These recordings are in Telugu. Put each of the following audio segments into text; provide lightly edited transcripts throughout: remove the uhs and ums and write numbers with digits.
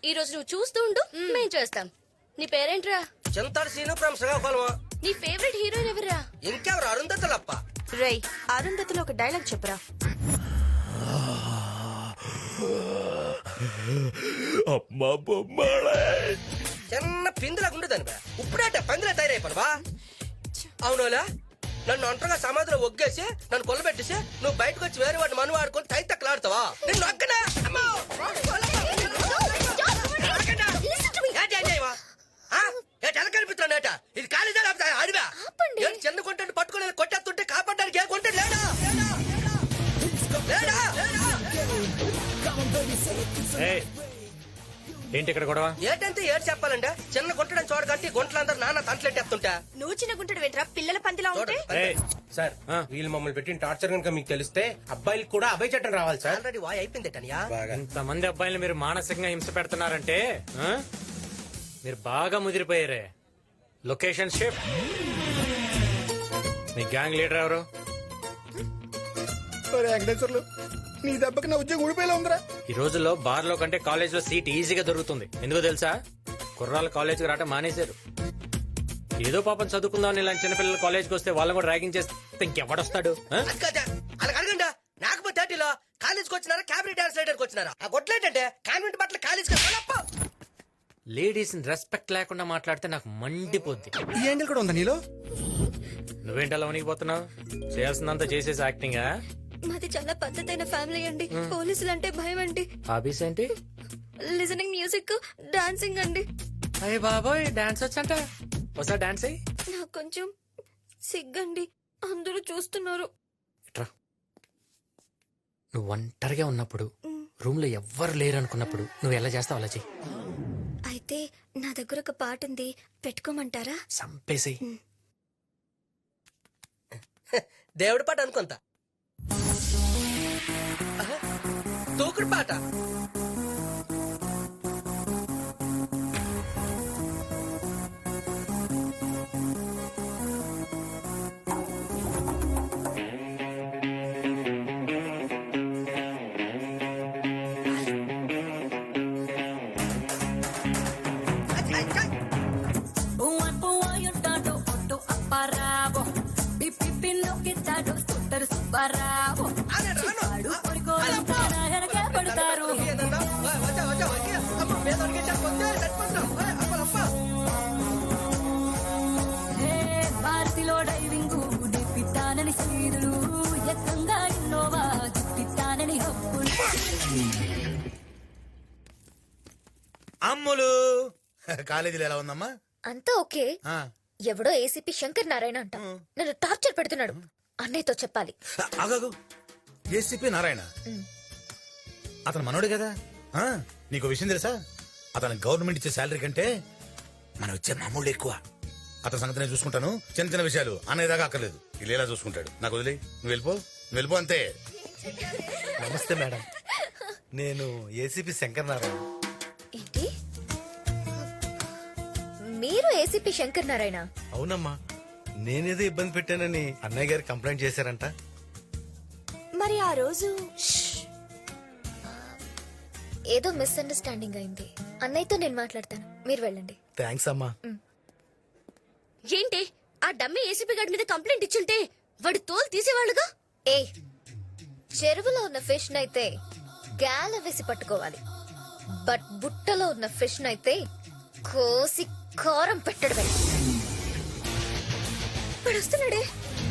ఈ రోజు నువ్వు చూస్తూ ఉండు, మేం చేస్తాం. నీ పేరేంట్రా? చింతాడు సీను ఫ్రమ్ శ్రీకాకుళం. నీ ఫేవరెట్ హీరోయిన్ ఎవరా? ఇంకెవరు? అరుంధతులప్ప. రై అరుంధతిలో ఒక డైలాగ్ చెప్పురా. అమ్మా బొమ్మడే. చిన్న పిందులాగా ఉండేదాని బా. ఇప్పుడేట పందిలా తయారైపోను బా. అవునోలా, నన్ను ఒంటరిగా సమాధిలో ఒగ్గేసి నన్ను కొల్లబెట్టేసి నువ్వు బయటకు వచ్చి వేరే వాడిని మను వాడుకొని తైతక్కలాడుతావా? నిన్ను ఒక్కనా? అమ్మో! కనిపిస్తున్నాడట. ఇది కాలేజా అడివా? చిన్న కొంటాడు పట్టుకుని కొట్టేస్తుంటే కాపాడడానికి ఏ కొంటాడు లేడా? లేడా? ఏయ్, ఏంటి ఇక్కడ గొడవ? ఏటంటే ఏడు చెప్పాలంటే చిన్న గుంటడని చూడకంటే గుంటలందరూ నాన్న తంటలెట్టేస్తుంటా. నువ్వు చిన్న గుంటడు వెంట్రా పిల్లల పందిలా ఉంటే. ఏయ్, సార్ వీళ్ళు మమ్మల్ని పెట్టిన టార్చర్ కనుక మీకు తెలిస్తే అబ్బాయిలకు కూడా అభయ చట్టం రావాలి సార్. ఆల్రెడీ వాయ్ అయిపోయింది టనియా. ఇంతమంది అబ్బాయిలు మీరు మానసికంగా హింస పెడుతున్నారంటే మీరు బాగా ముదిరిపోయారే. Location shift. మీ గ్యాంగ్ లీడర్ ఎవరు? వెంకటేశ్వర్లు, నీ దెబ్బకి నా ఉద్యోగం ఊడిపోయేలా ఉందిరా. ఈ రోజుల్లో బార్ లో కంటే కాలేజ్ లో సీట్ ఈజీగా దొరుకుతుంది. ఎందుకో తెలుసా? కుర్రాళ్ళు కాలేజ్కి రావటం మానేశారు. ఏదో పాపం చదువుకుందాం ఇలాంటి చిన్నపిల్లలు కాలేజ్కి వస్తే వాళ్ళని కూడా ర్యాగింగ్ చేస్తే ఇంకెవడొస్తాడు? అలా అడగండా. నాకపోతే థర్టీలో కాలేజ్కి వచ్చినారా క్యాబినెట్ డాన్స్ రైడర్కి వచ్చినారా? ఆ గొడ్లేంటంటే కాన్వెంట్ బట్టలు కాలేజ్కి లేడీస్ రెస్పెక్ట్ లేకుండా మాట్లాడితే నాకు మండిపోద్ది. ఈ యాంగిల్ కూడా ఉందా నీలో? నువ్వేంటలా వణికిపోతున్నావు? చేయాల్సిందంతా చేసేసి యాక్టింగా? మాది చాలా పద్ధతైన ఫ్యామిలీ అండి. పోలీసులు అంటే భయం అండి. హాబీస్ ఏంటి? లిజనింగ్ మ్యూజిక్, డాన్సింగ్ అండి. అయ్య బాబోయ్, డాన్స్ వచ్చంట. ఒకసారి డాన్స్ అయ్యి. నాకు కొంచెం సిగ్గండి, అందరూ చూస్తున్నారు. ఇట్రా. నువ్వు ఒంటరిగా ఉన్నప్పుడు రూమ్ లో ఎవ్వరు లేరు అనుకున్నప్పుడు నువ్వు ఎలా చేస్తావు అలా చెయ్యి. అయితే నా దగ్గర ఒక పాట ఉంది, పెట్టుకోమంటారా? సంపేసి. దేవుడి పాట అనుకుంటా. తూకుడు పాట. భారతిలో డైవింగ్ దిప్పిస్తానని సీదులు ఎక్కంగా ఇన్నోవా దిప్పిస్తానని హక్కులు. అమ్ములు కాలేజీలో ఎలా ఉందమ్మా? అంతా ఓకే. ఎవడో ఏసీపీ శంకర్ నారాయణ అంట నన్ను టార్చర్ పెడుతున్నాడు. అన్నయ్యతో చెప్పాలి. ఆగాగు, ఏసీపీ నారాయణ అతను మనోడు కదా. నీకు విషయం తెలుసా? అతను గవర్నమెంట్ ఇచ్చే శాలరీ కంటే మనం ఇచ్చే మామూలు ఎక్కువ. అతని సంగతి నేను చూసుకుంటాను. చిన్న చిన్న విషయాలు అనేదాకా అక్కర్లేదు. ఇలా చూసుకుంటాడు. నాకు వదిలే, నువ్వు వెళ్ళిపో అంతే. నమస్తే మేడం, నేను ఏసీపీ శంకర్ నారాయణ. ఏంటి, మీరు ఏసీపీ శంకర్ నారాయణ? అవునమ్మా, నేనేదో ఇబ్బంది పెట్టానని అన్నయ్య గారు కంప్లైంట్ చేశారంట. మరి ఆ రోజు ఏదో మిస్అండర్స్టాండింగ్ అయింది. అన్నయ్యతో నేను మాట్లాడతాను, మీరు వెళ్ళండి. థ్యాంక్స్ అమ్మా. ఏంటి, ఆ డమ్మీ ఏసీపీ గారి మీద కంప్లైంట్ ఇచ్చుంటే వాడి తోలు తీసేవాళ్ళుగా. ఏ, చెరువులో ఉన్న ఫిష్ నైతే గాల వేసి పట్టుకోవాలి. బట్ బుట్టలో ఉన్న ఫిష్ నైతే కోసి కారం పెట్టడమే. ఇప్పుడు వస్తున్నాడే.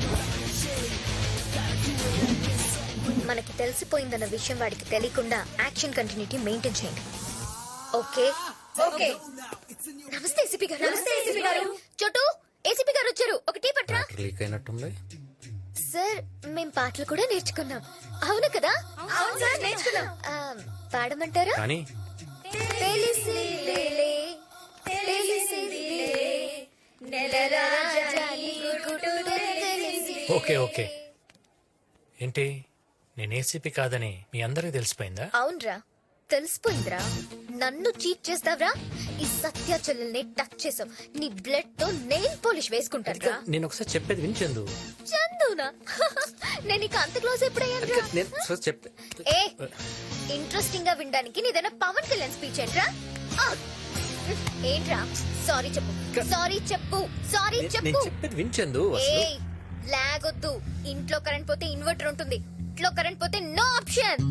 మనకి తెలిసిపోయిందన్న విషయం వాడికి తెలియకుండా యాక్షన్ కంటిన్యూటీ మెయింటైన్ చేయండి. Okay okay. నమస్తే ఏసీపీ గారు. నమస్తే ఏసీపీ గారు. చోటు, ఏసీపీ గారు వచ్చారు. ఒక టీ పట్రా. లీక్ అయినట్టుంది సార్. మేం పాటలు కూడా నేర్చుకున్నాం. అవును కదా? అవును సార్, నేర్చుకున్నాం. పాడమంటారా? కానీ తెలిసిలేలే, తెలిసిలేలే, నెలరాజా నీ గుట్టు తెలిసిలేలే. Okay okay. ఏంటి, నేను ఏసీపీ కాదని మీ అందరికి తెలిసిపోయిందా? అవునరా, తెలిసిపోయిందిరా. నన్ను చీట్ చేస్తావరా? ఈ సత్య చెల్లెల్ని టచ్ చేసావు, నీ బ్లడ్ తో నెయిల్ పాలిష్ వేసుకుంటాను. నేను ఒకసారి చెప్పేది వినిచెందు. చందునా? నేను ఇక అంత క్లోజ్ ఎప్పుడయ్యాను? నేను చెప్పే ఏ, ఇంట్రెస్టింగ్ గా వినడానికి నీదైనా పవన్ కళ్యాణ్ స్పీచ్ ఏంట్రా? ఏంట్రా సారీ చెప్పు సారీ చెప్పు సారీ నేను చెప్పు చెప్పేది వించెందు అసలు ఏయ్ లాగొద్దు. ఇంట్లో కరెంట్ పోతే ఇన్వర్టర్ ఉంటుంది, ఇంట్లో కరెంట్ పోతే నో ఆప్షన్.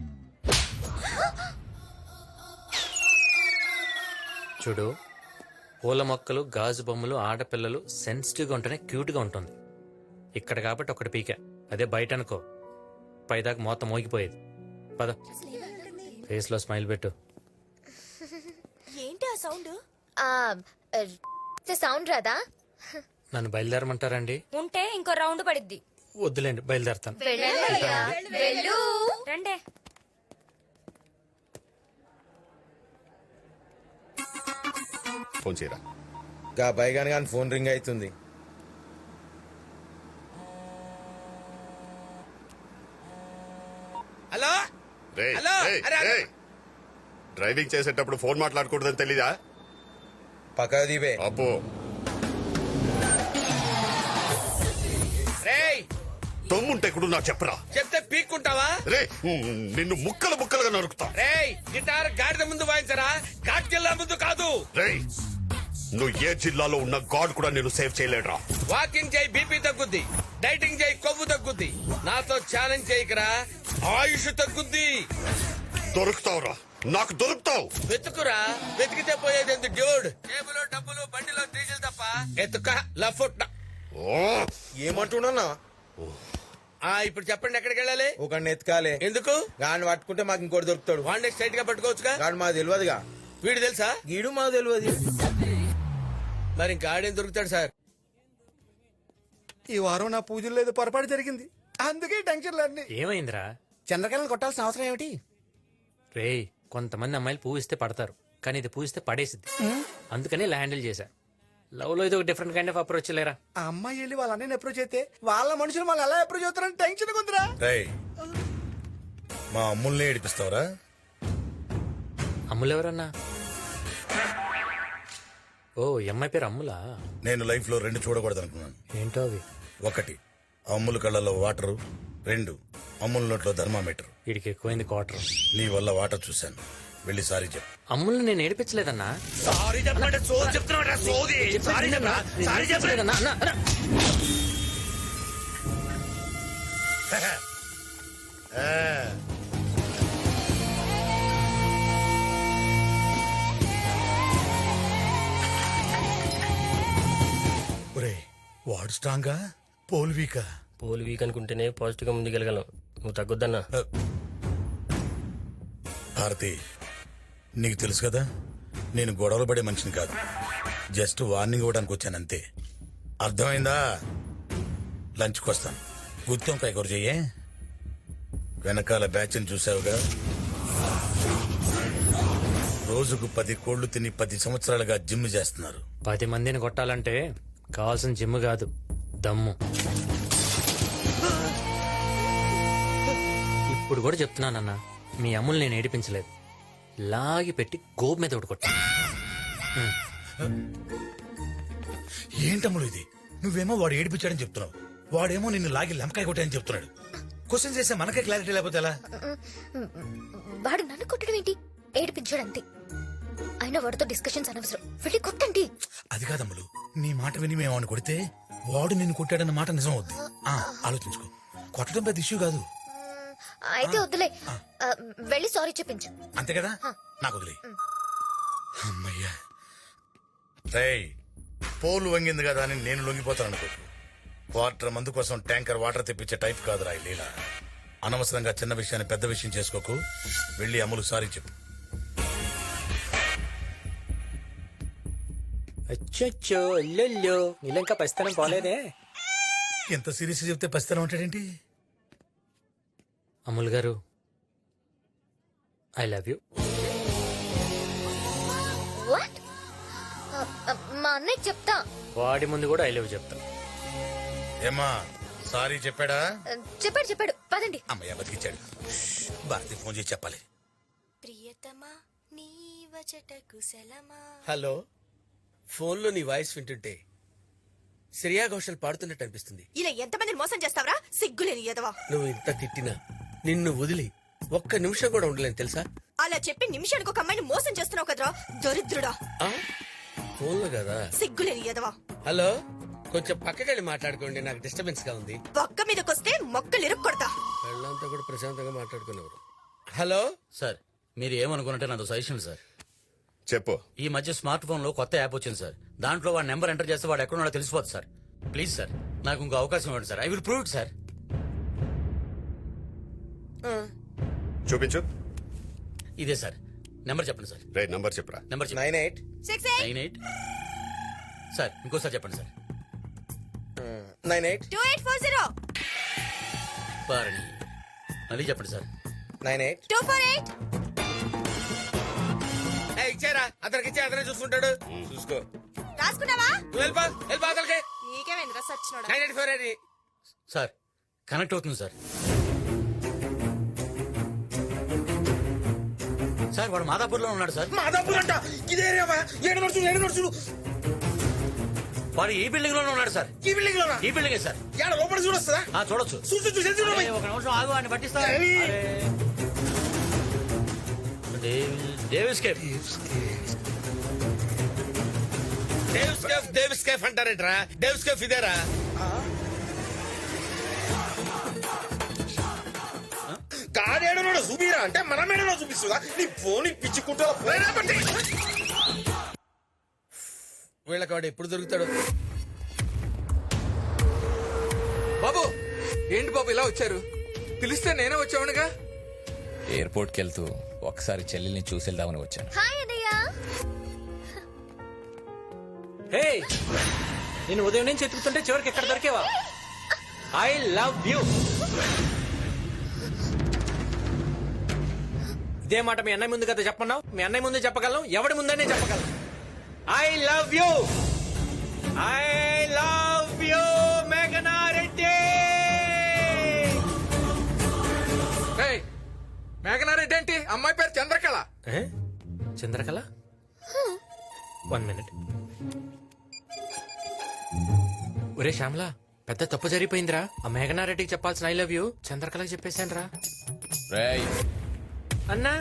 చూడు, పూల మొక్కలు, గాజు బొమ్మలు, ఆడపిల్లలు సెన్సిటివ్ గా ఉంటేనే క్యూట్ గా ఉంటుంది. ఇక్కడ కాబట్టి ఒకటి పీక, అదే బయట అనుకో పైదాకా మొత్తం మోగిపోయేది. పద, ఫేస్ లో స్మైల్ పెట్టు. ఏంటి ఆ సౌండ్? సౌండ్ రాదా? నన్ను బయలుదేరమంటారండి? ఉంటే ఇంకో రౌండ్ పడిద్ది. వద్దులేండి, బయలుదేరతాను. వెళ్ళయ్యా, వెళ్ళు. రండే. ఫోన్ చేయరా. గా పైగాని కానీ ఫోన్ రింగ్ అవుతుంది. హలో రేయ్, హలో, రేయ్, అరే, అరే. రేయ్. డ్రైవింగ్ చేసేటప్పుడు ఫోన్ మాట్లాడకూడదని తెలీదా? పక్క దీపే. అబ్బో, రేయ్ తమ్ముంటే కూడా నాకు చెప్పరా. చెప్తే పీక్కుంటావా? రే, నిన్ను ముక్కలు ముక్కలుగా నరుకుతా. రేయ్ గిటార్ గాడిద ముందు వాయించరా, ఘాట్కెళ్ళ ముందు కాదు. రేయ్, నువ్వు ఏ జిల్లాలో ఉన్న గాడ్ కూడా నేను సేవ్ చేయలేడురా. వాకింగ్ చేయి బీపీ తగ్గుద్ది, డైటింగ్ చేయి కొవ్వు తగ్గుద్ది, నాతో ఛాలెంజ్ చేయకరా ఆయుష్ తగ్గుద్ది. దొరుకుతావురా, నాకు దొరుకుతావు. వెతుకురా, వెతికితే పోయేది ఎందుకు డ్యూడ్? టేబుల్ డబ్బులు బండిలో డీజిల్ తప్ప ఎత్తుక లఫుట్. ఓ, ఏమంటున్నా? ఇప్పుడు చెప్పండి ఎక్కడికి వెళ్ళాలి? ఒక ఎత్కాలే. ఎందుకు? గాని పట్టుకుంటే మాకు ఇంకోటి దొరుకుతాడు. వాడిని స్ట్రైట్ గా పట్టుకోవచ్చుగా. గాని మాకు తెలియదుగా. వీడు తెలుసా? గీడు మాకు తెలియదు. మరి ఇంకా ఆడేం దొరుకుతాడు సార్? ఈ వారం నా పూజలు లేదు, పొరపాటు జరిగింది, అందుకే టెన్షన్లన్నీ. ఏమైందిరా? చంద్రకళను కొట్టాల్సిన అవసరం ఏమిటి? రేయ్, కొంతమంది అమ్మాయిలు పూవిస్తే పడతారు, కానీ ఇది పూవిస్తే పడేసిద్ది. అందుకని ఇలా హ్యాండిల్ చేశా. లవ్ లో ఇది ఒక డిఫరెంట్ కైండ్ ఆఫ్ అప్రోచ్ లేరా. ఆ అమ్మాయి వెళ్ళి వాళ్ళ అన్నయ్యని అప్రోచ్ అయితే వాళ్ళ మనుషులు వాళ్ళు ఎలా అప్రోచ్ అవుతారని టెన్షన్ ఉందిరా. రేయ్, మా అమ్ముల్ని ఏడిపిస్తావరా? అమ్ములు ఎవరన్నా? ఓ, ఈ అమ్మాయి పేరు అమ్ములా? నేను లైఫ్ లో రెండు చూడకూడదు అనుకున్నాను. ఏంటో అవి? ఒకటి, అమ్ముల కళ్ళలో వాటరు. రెండు, అమ్ముల నోట్లో థర్మామీటర్. వీడికి ఎక్కువైంది క్వార్టర్. నీ వల్ల వాటర్ చూశాను, వెళ్ళి సారీ చెప్పు. అమ్ముల్ని నేను ఏడిపించలేదన్నా. సారీ చెప్పండి, సోది చెప్తున్నా సోది. సారీ చెప్పరా, సారీ చెప్పలేదు. అన్నా, అన్నా, అన్నా. ఒరే, వాడు స్ట్రాంగా, పోల్ వీకా? పోల్ వీక్ అనుకుంటేనే పాజిటివ్ గా ముందుకెళ్ళగలం. నువ్వు తగ్గొద్దన్నా. భారతి, నీకు తెలుసు కదా నేను గొడవలు పడే మనిషిని కాదు. జస్ట్ వార్నింగ్ ఇవ్వడానికి వచ్చాను అంతే. అర్థమైందా? లంచ్కి వస్తాను. గుత్తంకాయ కూర చెయ్యే. వెనకాల బ్యాచ్ని చూసావుగా, రోజుకు 10 కోళ్లు తిని 10 సంవత్సరాలుగా జిమ్ చేస్తున్నారు. 10 మందిని కొట్టాలంటే కావాల్సిన జిమ్ కాదు, దమ్ము. ఇప్పుడు కూడా చెప్తున్నానన్నా, మీ అమ్ములు నేను ఏడిపించలేదు. లాగి పెట్టి గోపు మీద కొట్టా. ఏంటమ్ముడు ఇది? నువ్వేమో వాడు ఏడిపించాడని చెప్తున్నావు, వాడేమో నిన్ను లాగి లెంకాయ కొట్టాయని చెప్తున్నాడు. క్వశ్చన్ చేస్తే మనకే క్లారిటీ లేకపోతే ఎలా? వాడు నన్ను కొట్టడం ఏంటి? ఏడిపించాడంతే. అయినా వాడితో డిస్కషన్స్ అనవసరం, వెళ్ళి కొట్టండి. అది కాదమ్ములు, నీ మాట విని మేము వాడిని కొడితే వాడు నిన్ను కొట్టాడన్న మాట నిజం అవుద్ది. ఆలోచించుకో, కొట్టడం పెద్ద ఇష్యూ కాదు. అయితే వద్దులే, వెళ్ళి సారీ చెప్పించు. అంతే కదా, నాకు వదిలే. అమ్మయ్యా. రేయ్, పోలు వంగింది కదా అని నేను లొంగిపోతాను అనుకో. క్వార్టర్ మందు కోసం ట్యాంకర్ వాటర్ తెప్పించే టైప్ కాదురా ఈ లీల. అనవసరంగా చిన్న విషయాన్ని పెద్ద విషయం చేసుకోకు. వెళ్ళి అమ్ములు సారీ చెప్పు. అచ్చో, అల్లెల్లో ఇలా ఇంకా పరిస్థితి పోలేదే. ఎంత సీరియస్ చెప్తే పసితనం ఉంటాడేంటి? అమ్ముల్ గారు, ఐ లవ్ యూ. వాట్? మా అన్నయ్య చెప్తా. వాడి ముందు కూడా ఐ లవ్ చెప్తా. ఏమా, సారీ చెప్పాడా? చెప్పాడు చెప్పాడు, పదండి. అమ్మయ్య, బతికిచ్చాడు. భారతి ఫోన్ చేసి చెప్పాలి. ప్రియతమా నీ వచట కుశలమా. హలో, ఫోన్లో నీ వాయిస్ వింటుంటే శ్రేయా ఘోషల్ పాడుతున్నట్టు అనిపిస్తుంది. ఇలా ఎంతమందిని మోసం చేస్తావరా, సిగ్గులేని ఎదవా. నువ్వు ఇంత తిట్టినా నిన్ను వదిలి ఒక్క నిమిషం కూడా ఉండలేను తెలుసా? అలా చెప్పి నిమిషానికి ఒక అమ్మాయిని మోసం చేస్తున్నావు కదరా దరిద్రుడా. ఫోన్లో కదా. సిగ్గులేని ఎదవా. హలో, కొంచెం పక్కకెళ్ళి మాట్లాడుకోండి, నాకు డిస్టర్బెన్స్ గా ఉంది. పక్క మీదకొస్తే మొక్కలు ఇరుక్కొడతా. వాళ్ళంతా కూడా ప్రశాంతంగా మాట్లాడుకునేవారు. హలో సార్ మీరు ఏమనుకున్నట్టే నాతో సజెషన్ సార్. చెప్పు. ఈ మధ్య స్మార్ట్ ఫోన్ లో కొత్త యాప్ వచ్చింది సార్. దాంట్లో వాడి నెంబర్ ఎంటర్ చేస్తే వాడు ఎక్కడున్నాడో తెలిసిపోతుంది సార్. ప్లీజ్ సార్ నాకు ఇంకో అవకాశం ఇవ్వండి sir. I will prove it sir. చూపించు. ఇదే సార్ నెంబర్ చెప్పండి సార్. రే నంబర్ చెప్పురా. Number 98 98 sir. ఇంకోసారి చెప్పండి సార్. 98 2840 పారణి. మళ్ళీ చెప్పండి సార్. 98 248. ఇచ్చారా? అతనికి ఇచ్చే అతనే చూసుకుంటాడు. చూసుకో. రాసుకున్నావా? నువ్వు వెళ్ళిపో అతనికి. నీకేమైందిరా సచ్చినోడా? 984 అది. సార్ కనెక్ట్ అవుతుంది సార్. సార్ వాడు మాదాపూర్లో ఉన్నాడు సార్. మాదాపూర్ అంట. ఇదే ఏరియావా? 7 నడుచుడు. వాడు ఈ బిల్డింగ్ లోనే ఉన్నాడు సార్. ఈ బిల్డింగ్ లోనా? ఈ బిల్డింగే సార్. ఏడ లోపల చూడొస్తుందా? చూడొచ్చు. చూసి అరే, ఒక నిమిషం ఆగు అని పట్టిస్తా. డేవిస్ కేఫ్ అంటారేట్రా? డేవిస్ కేఫ్ ఇదేరా? కాడేడనో చూపిరా అంటే మనమేడనో చూపిస్తుందా? నీ ఫోన్ పిచ్చుకుంటా. వీళ్ళకి వాడు ఎప్పుడు దొరుకుతాడు? బాబు ఏంటి బాబు ఇలా వచ్చారు? పిలిస్తే నేనే వచ్చావునుగా. ఎయిర్పోర్ట్కి వెళ్తూ ఒకసారి చెల్లెల్ని చూసేద్దామని వచ్చాను. హాయ్ అన్నయ్య. హే నేను ఉదయం నుంచి ఎత్తుకుతుంటే చివరికి ఎక్కడ దొరికేవా? I love you. ఇదే మాట మీ అన్నయ్య ముందు కదా చెప్పన్నావు. మీ అన్నయ్య ముందు చెప్పగలను, ఎవడి ముందనే చెప్పగలను. I love you. I love you మేఘనా రెడ్డి. మేఘనారెడ్డి ఏంటి? అమ్మాయి పేరు చంద్రకళ. చంద్రకళ? 1 మినిట్. ఒరే శ్యామలా, పెద్ద తప్పు జరిగిపోయిందిరా. ఆ మేఘనారెడ్డికి చెప్పాల్సిన ఐ లవ్ యూ చంద్రకళకి చెప్పేశాను రా. రేయ్ అన్నా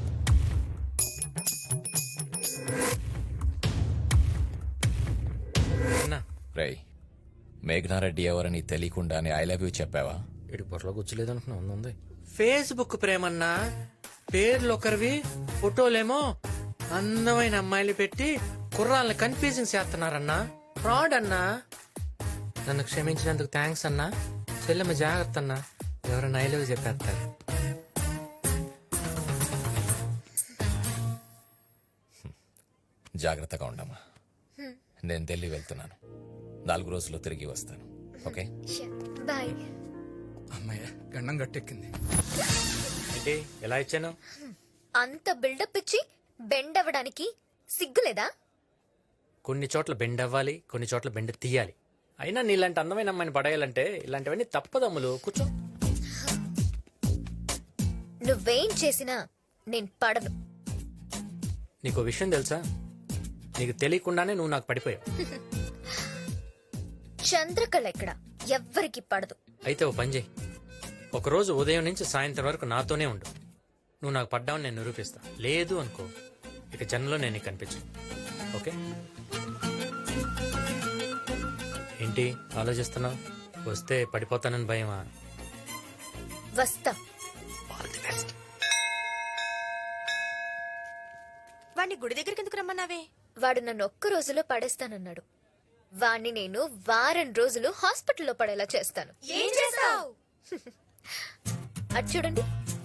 అన్నా. రేయ్, మేఘనారెడ్డి ఎవరని తెలియకుండానే ఐ లవ్ యూ చెప్పావా? ఇటు బొర్రలో కూర్చోలేదు అనుకున్నా. ఉంది ఫేస్బుక్ ప్రేమన్నా. పేర్లు ఒకరివి, ఫోటోలేమో అందమైన అమ్మాయిలు పెట్టి కుర్రాళ్ళని కన్ఫ్యూజింగ్ చేస్తున్నారన్నా. ఫ్రాడ్ అన్నా. నన్ను క్షమించినందుకు థ్యాంక్స్ అన్నా. చెల్లెమ్మ జాగ్రత్త అన్నా, ఎవరైనా ఐ లవ్ చెప్పేస్తారు. జాగ్రత్తగా ఉండమ్మా. నేను ఢిల్లీ వెళ్తున్నాను. 4 రోజుల్లో తిరిగి వస్తాను. Okay bye. అమ్మాయ గండం గట్టెక్కింది. ఏంటి ఎలా ఇచ్చాను? అంత బిల్డప్ ఇచ్చి బెండ్ అవ్వడానికి సిగ్గులేదా? కొన్ని చోట్ల బెండ్ అవ్వాలి, కొన్ని చోట్ల బెండ్ తీయాలి. అయినా నీలాంటి అందమైన అమ్మాయిని పడేయాలంటే ఇలాంటివన్నీ తప్పదమ్ములు. కూర్చో. నువ్వేం చేసినా నేను పడను. నీకో విషయం తెలుసా? నీకు తెలియకుండానే నువ్వు నాకు పడిపోయావు. చంద్రకళ ఎక్కడ ఎవ్వరికి పడదు. అయితే ఓ పని చేయి. ఒకరోజు ఉదయం నుంచి సాయంత్రం వరకు నాతోనే ఉండు. నువ్వు నాకు పడ్డావని నేను నిరూపిస్తా. లేదు అనుకో, ఇక జన్మలో నేను నీకు కనిపించు. ఓకే? ఏంటి ఆలోచిస్తున్నావు? వస్తే పడిపోతానని భయమా? వస్తా. వాడిని గుడి దగ్గరికి ఎందుకు రమ్మన్నావే? వాడు నన్ను ఒక్క రోజులో పడేస్తానన్నాడు. వాణ్ణి నేను వారం రోజులు హాస్పిటల్లో పడేలా చేస్తాను. ఏం చేస్తావు? అటు చూడండి.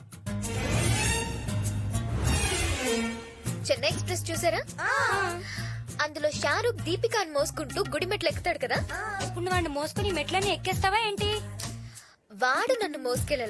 చెన్నై ఎక్స్ప్రెస్ చూసారా? అందులో షారూక్ దీపికాని మోసుకుంటూ గుడి మెట్లు ఎక్కుతాడు కదా. ఇప్పుడు వాడిని మోసుకుని మెట్లని ఎక్కేస్తావా ఏంటి? వాడు నన్ను మోసుకెళ్ళ